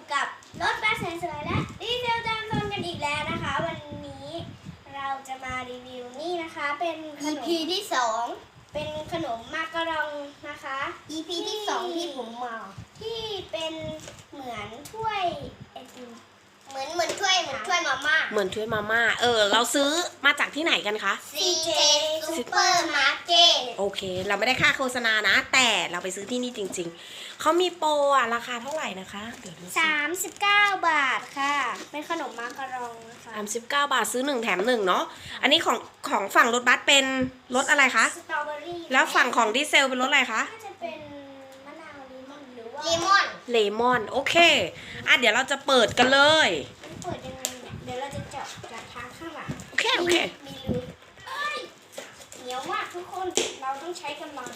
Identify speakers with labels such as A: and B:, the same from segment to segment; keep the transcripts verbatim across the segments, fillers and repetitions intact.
A: กับรถบัสสวยๆและดีเซลจามซนกันอีกแล้วนะคะวันนี้เราจะมารีวิวนี่นะคะเป็นขนม อี พี ที่สองเป็นขนมมาการองนะคะ อี พี ที่สองที่ผมมาที่เป็นเหมือนถ้วยไอติมเหมือนเหมือนถ้วยเหมือนถ้วยมาม่า
B: เหมือนถ้วยมาม่าเออเราซื้อมาจากที่ไหนกันคะ
A: ซี เจ Supermarket
B: โอเคเราไม่ได้ค่าโฆษณานะ แต่เราไปซื้อที่นี่จริงๆเขามีโปรอะราคาเท่าไหร่นะคะเดี๋ยวดูสิ
A: สามสิบเก้าบาทค่ะเป็นขนมมาการองนะคะ
B: สามสิบเก้าบาทซื้อหนึ่งแถมหนึ่งเนาะอันนี้ของของฝั่งรถบัสเป็นรถอะไรคะ
A: สตรอเบอรี่
B: แล้วฝั่งของดีเซลเป็นรถอะไรคะ
A: น่าจะเป็นมะนาวเลมอนหรือว่า
C: เลมอน
B: เลมอนโอเคอ่ะเดี๋ยวเราจะเปิดกันเลย
A: มันเปิดยังไงเนี่ยเดี๋ยวเราจะเจาะจากทางข้างหลัง
B: โอเคโอเค
A: มีรูเอ้ยเหนียวมากทุกคนเราต้องใช้กำลัง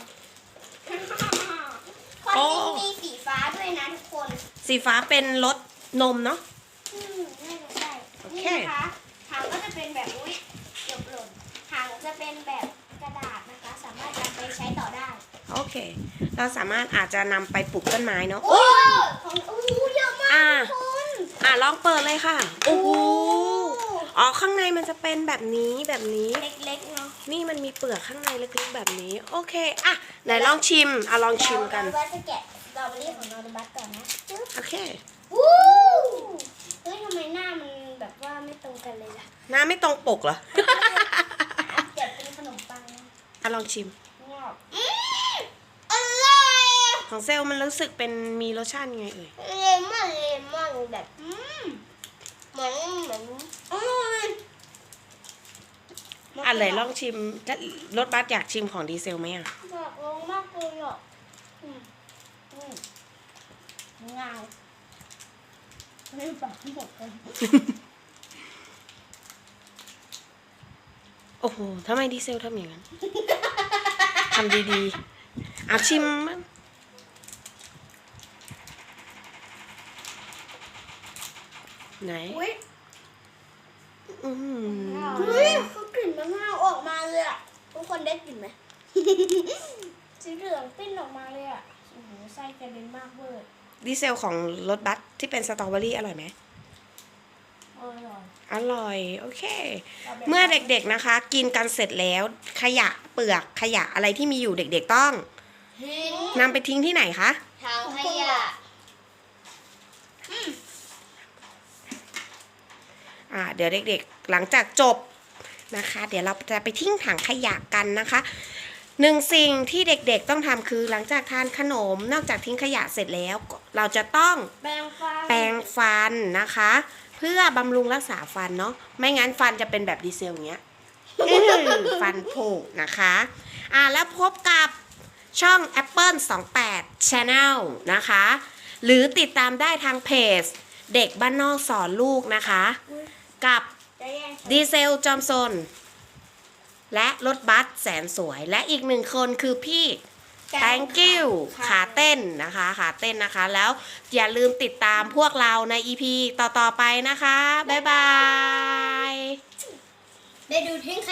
A: คนนี้มีสีฟ้าด้วยนะทุกคน
B: สีฟ้าเป็นรสนมเนาะ
A: อืมน่าจะใช่
B: โอเค
A: นี่นะคะถังก็จะเป็นแบบอุ้ยเกือบหล่นถังจะเป็นแบบกระดาษนะคะ สามารถนำไปใช้ต่อได้
B: โอเค เราสามารถอาจจะนำไปปลูกต้นไม้เนาะ
A: โอ้ของโอ้เยอะมาก
B: อ่ะ
A: ทุกคน
B: อ่ะลองเปิดเลยค่ะโอ้โหอ๋อข้างในมันจะเป็นแบบนี้แบบนี้
A: เล็กๆเนาะ
B: นี่มันมีเปลือกข้างในเล็กๆแบบนี้ โอเคอ่ะไหนลองชิมอ่ะลองชิมกัน
A: เราว่าจะแกะสตรอเบอรี่ของนอร์บัสก่อนนะจึ๊บ
B: โอเค
A: วู้เฮ้ยทำไมหน้ามันแบบว่าไม่ตรงกันเลยล่ะ
B: หน้าไม่ตรงปกเหรอ
A: เดี๋ยวเป็นขนมปังนะ
B: อ่ะลองชิม
A: งอกอืมอร่อย
B: ของเซลล์มันรู้สึกเป็นมีรสชาติยังไงเอ่ย
C: เลมอนเลมอนแบบอืมเหมือนเหมือน
A: อร่อย
B: อ่ะไหนลองชิมถ้ารถบัสอยากชิมของดีเซลไหมอ่ะ
A: อยากลองมากเลยอ่ะอืมอืมเงาไม่ปากหมดเลย
B: โอ้โหทำไมดีเซลทำอย่างนั้น ทำดีๆอ่ะชิมมั้งไหน
A: อุ้ย
B: อืม
A: อุ้ยคือกลิ่นมะนาวออกมาเลยอ่ะทุกคนได้กลิ่นไหม สีเหลืองปิ้นออกมาเลยอ่ะโอ้โหไส้กระเด็นมากเวอร์
B: ดีเซลของรถบัสที่เป็นสตรอเบอรี่อร่อยไหม
A: อร่อย
B: อร่อย โอเค เมื่อเด็กๆนะคะ กินกันเสร็จแล้ว ขยะเปลือกขยะอะไรที่มีอยู่เด็กๆต้อง
A: ทิ้ง
B: นำไปทิ้งที่ไหนคะ
C: ทางขยะ
B: อ่าเดี๋ยวเด็กๆหลังจากจบนะคะ เดี๋ยวเราจะไปทิ้งถังขยะกันนะคะหนึ่งสิ่งที่เด็กๆต้องทำคือหลังจากทานขนมนอกจากทิ้งขยะเสร็จแล้ว เราจะต้อง
A: แปรงฟัน
B: แปรงฟันนะคะ เพื่อบำรุงรักษาฟันเนาะไม่งั้นฟันจะเป็นแบบดีเซลอย่างเงี้ย อื้อฟันผุนะคะอ่าแล้วพบกับช่อง Apple สองแปด Channel นะคะ หรือติดตามได้ทางเพจเด็กบ้านนอกสอนลูกนะคะ กับ
A: จะแย่ง
B: ดีเซลจอมซนและรถบัสแสนสวย และอีกหนึ่งคนคือพี่ thank you ขาเต้นนะคะขาเต้นนะคะ แล้วอย่าลืมติดตามพวกเราใน อี พี ต่อ ๆ ไปนะคะ บ๊ายบาย
A: ได้ดูทิ้ง